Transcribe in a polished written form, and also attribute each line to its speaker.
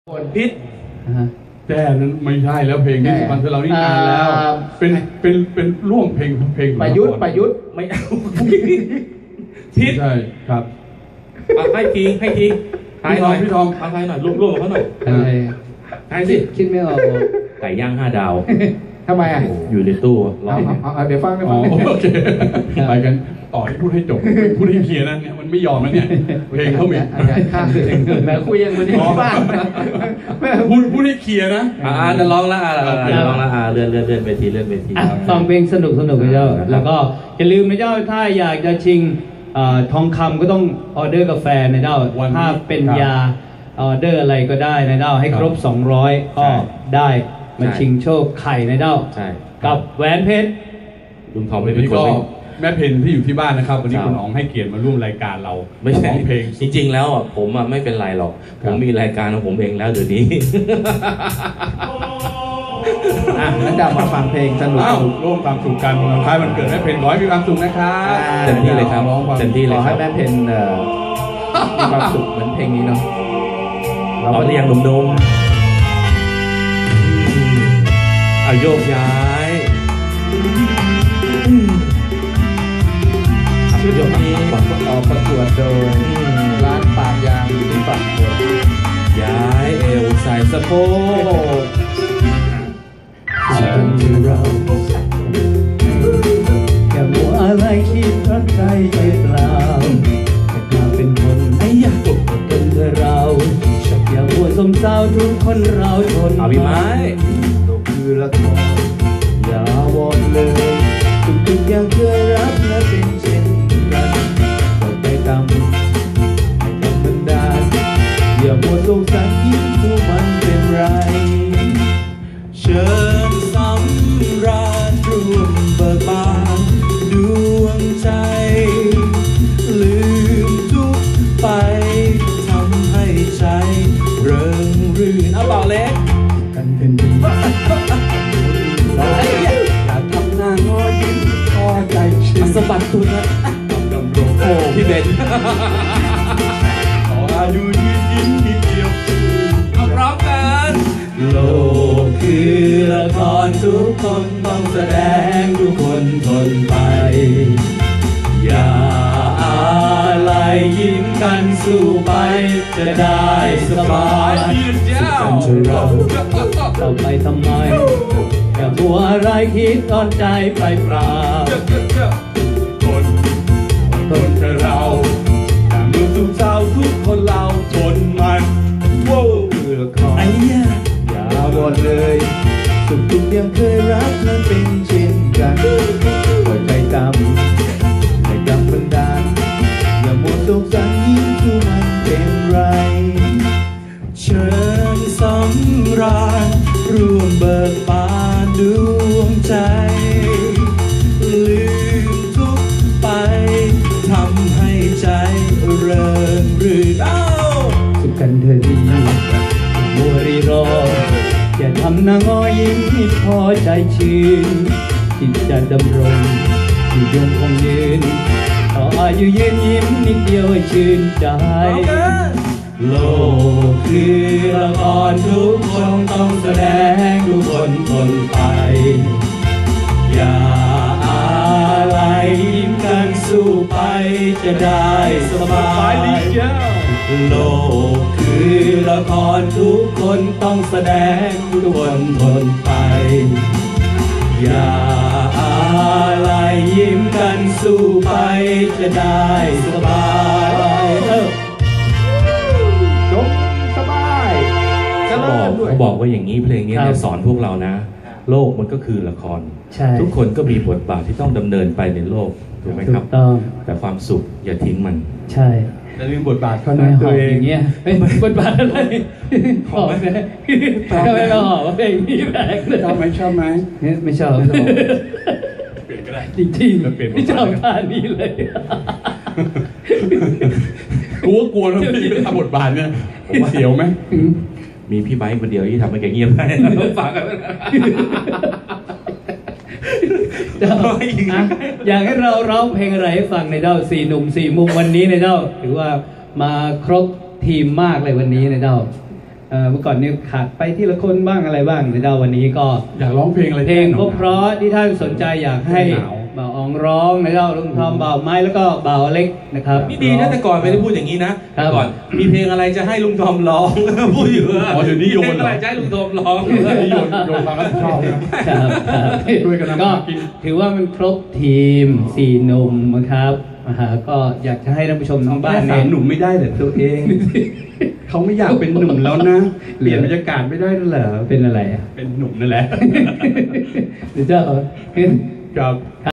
Speaker 1: พิษ
Speaker 2: แต่นั้นไม่ใช่แล้วเพลงนี้สุพรรณเรานี่นานแล้วเป็นร่วมเพลง
Speaker 1: ประยุทธ์ไม่เอาพิษ
Speaker 2: ใช่ครับ
Speaker 1: ให้ทีทายหน่อยพี่ทองทายหน่อยร่วมกับเขาหน่อยทายสิ
Speaker 3: คิดไม่ออก
Speaker 1: ไก่ย่าง5 ดาว
Speaker 3: ทำไมอ่ะ
Speaker 1: อยู่ในตู้รอ
Speaker 3: เดี๋ยวฟัง
Speaker 2: โอเคไปกันต่อที่พูดให้จบพูดให้เคลียร์นะเนี่ยมันไม่ยอมแล้วเนี่ยเพลงเขามี
Speaker 3: ข้างแล้วคุยยังวันนี้บ้าน
Speaker 2: พูดให้เคลียร์นะ
Speaker 1: จะร้องละร้องละเลื่อนเวที
Speaker 3: ฟังเพลงสนุกนะเจ้าแล้วก็อย่าลืมนะเจ้าถ้าอยากจะชิงทองคำก็ต้องออเดอร์กาแฟนะเจ้าถ้าเป็นยาออเดอร์อะไรก็ได้นะเจ้าให้ครบ200ก็ได้มาชิงโชคไข่นะเจ้ากับแหวนเพชร
Speaker 1: ลุงทอมไม่เป็นคน
Speaker 2: แม่เพนที่อยู่ที่บ้านนะครับวันนี้คุณอ๋องให้เกียรติมาร่วมรายการเรา
Speaker 1: ไม่ใช่เพลงจริงๆแล้วผมไม่เป็นไรหรอกผมมีรายการของผมเองแล้วเดี๋ยวนี้
Speaker 3: งั้นจะมาฟังเพลงสนุก
Speaker 2: ร่วมความสุขกันวันคล้ายวันเกิดแม่เพนขอให้มีความสุขนะครับ
Speaker 1: เต็มที่เลยครับเต็มที่เลย
Speaker 3: ขอให้แม่เพนมีความสุขเหมือนเพลงนี้เนาะ
Speaker 1: เราเรียงหนุ่มๆเอาโยกย้าย
Speaker 3: ชุดนี้ประกวดโดยร้านปากยางอยู่ที่ปากหัว
Speaker 1: ย้ายเอวใส่สะโพก
Speaker 3: ฉันคือเราแค่มัวอะไรคิดรักใจไปเปล่าแค่มาเป็นคน
Speaker 1: ไอ้ยะ
Speaker 3: เป็นเธอเราอย่ามัวสมเศร้าทุกคนเราทน
Speaker 1: พี่ไม้
Speaker 3: ตกคือละครอย่าวอนเลยทุกอย่างเคยรักและเป็นเช่นกันปล่อยไปตามให้ธรรมดาอย่ามัวสงสารยิ้มดูมันเป็นไร
Speaker 1: เชิญสำราญร่วมเบิกบานดวงใจลืมทุกไปทำให้ใจเริงรื่นเอาเปล่าเล็ก
Speaker 3: กันเป็นดี
Speaker 1: อยากทำหน้างอยิ้มพอใจชื่นสะบัดตัวนะดำรงโอ้พี่เบน
Speaker 2: ขออายุยืนยิ้มนิดเดียว
Speaker 1: เอาพร้อมกันโลกคือละครทุกคนต้องแสดงทุกคนทนไปอย่าอะไรยิ้มกันสู้ไปจะได้สบาย
Speaker 3: กันเธอเราไปทำไมอย่ามัวอะไรคิดตอนใจไปเปล่า
Speaker 2: ทนเธอเราอย่ามัวสุขเศร้าทุกคนเราทนมัน
Speaker 3: โว้คือละครอย่าวอนเลยทุกอย่างเคยรักนั้นเป็นเช่นกันปล่อยใจตามให้กำบันดาลอย่ามัวสงสารยิ้มดูมันเป็นไร
Speaker 1: เชิญสำราญร่วมเบิกบานดวงใจลืมทุกไปทำให้ใจเริงรื่น
Speaker 3: สุขกันเธอดีมัวรีรออย่าทำหน้างอยิ้มให้พอใจชื่นที่จะดำรงอยู่ยงคงยืนต่ออายุยืนยิ้มนิดเดียวให้ชื่นใจ
Speaker 1: โลกคือละครทุกคนต้องแสดงทุกคนทนไปอย่าอะไรยิ้มกันสู้ไปจะได้สบายโลกคือละครทุกคนต้องแสดงทุกคนทนไปอย่าอะไรยิ้มกันสู้ไปจะได้สบายเขาบอกว่าอย่างนี้เพลงนี้เนี่ยสอนพวกเรานะโลกมันก็คือละครทุกคนก็มีบทบาทที่ต้องดำเนินไปในโลกถูกไหมครับแต่ความสุขอย่าทิ้งมัน
Speaker 3: ใช่
Speaker 2: แต่ลืมบทบาทเขา
Speaker 3: นะตัวเองเงี้ยบทบาทอะไรขอไหมก็ไม่ต้องขอว่าเพลงนี้แปลกเลย
Speaker 2: ชอบไหม
Speaker 3: ไม่ชอบ
Speaker 2: เปลี่ยนก็ได้
Speaker 3: จริงๆไม่ชอบท่านี้เลย
Speaker 2: กลัวนะพี่ทำบทบาทเนี่ยเสียวไหม
Speaker 1: มีพี่ไบค์คนเดียวที่ทำให้แกเงียบได้ฟังกัน
Speaker 3: อยากให้เราร้องเพลงอะไรให้ฟังในเจ้า4 หนุ่ม 4 มุมวันนี้ในเจ้าถือว่ามาครบทีมมากเลยวันนี้ในเจ้าเมื่อก่อนนี่ขาดไปที่ละคนบ้างอะไรบ้างนะเจ้าวันนี้ก็
Speaker 2: อยากร้องเพลงอะไร
Speaker 3: เพลง
Speaker 2: แก้หนาว
Speaker 3: เพราะๆที่ท่านสนใจอยากให้
Speaker 2: แก้หนาว
Speaker 3: บ่าวอองร้องนะเจ้าลุงทอมบ่าวไม้แล้วก็บ่าวเล็กนะครับ
Speaker 4: นี่ดีนะแต่ก่อนไม่ได้พูดอย่างนี้นะครับ แต่ก่อนมีเพลงอะไรจะให้ลุงทอมร้อง พูดอยู่ว่า
Speaker 2: อ๋อเดี๋ยวนี้โยน
Speaker 4: มีเพลง
Speaker 2: เหรอ
Speaker 4: อะไรจะให้ลุงทอมร้อง
Speaker 2: โยนความรับผิดชอบนะครับ ช่วยกันทำ
Speaker 3: ก็
Speaker 2: มาหากิน
Speaker 3: ถือว่ามันครบทีม4หนุ่มนะครับก็อยากจะให้ท่านผู้ชมทั้งบ้าน
Speaker 1: สา
Speaker 3: เนี่ย
Speaker 1: มหนุ่มไม่ได้เหรอตัวเอง เขาไม่อยากเป็นหนุ่มแล้วนะ เปลี่ยนบรรยากาศไม่ได้แล้วเหรอ
Speaker 3: เป็นอะไรอ่ะ
Speaker 2: เป็นหนุ่มนั่นแหละ
Speaker 3: เดี๋ยวเจ้า
Speaker 2: ครับ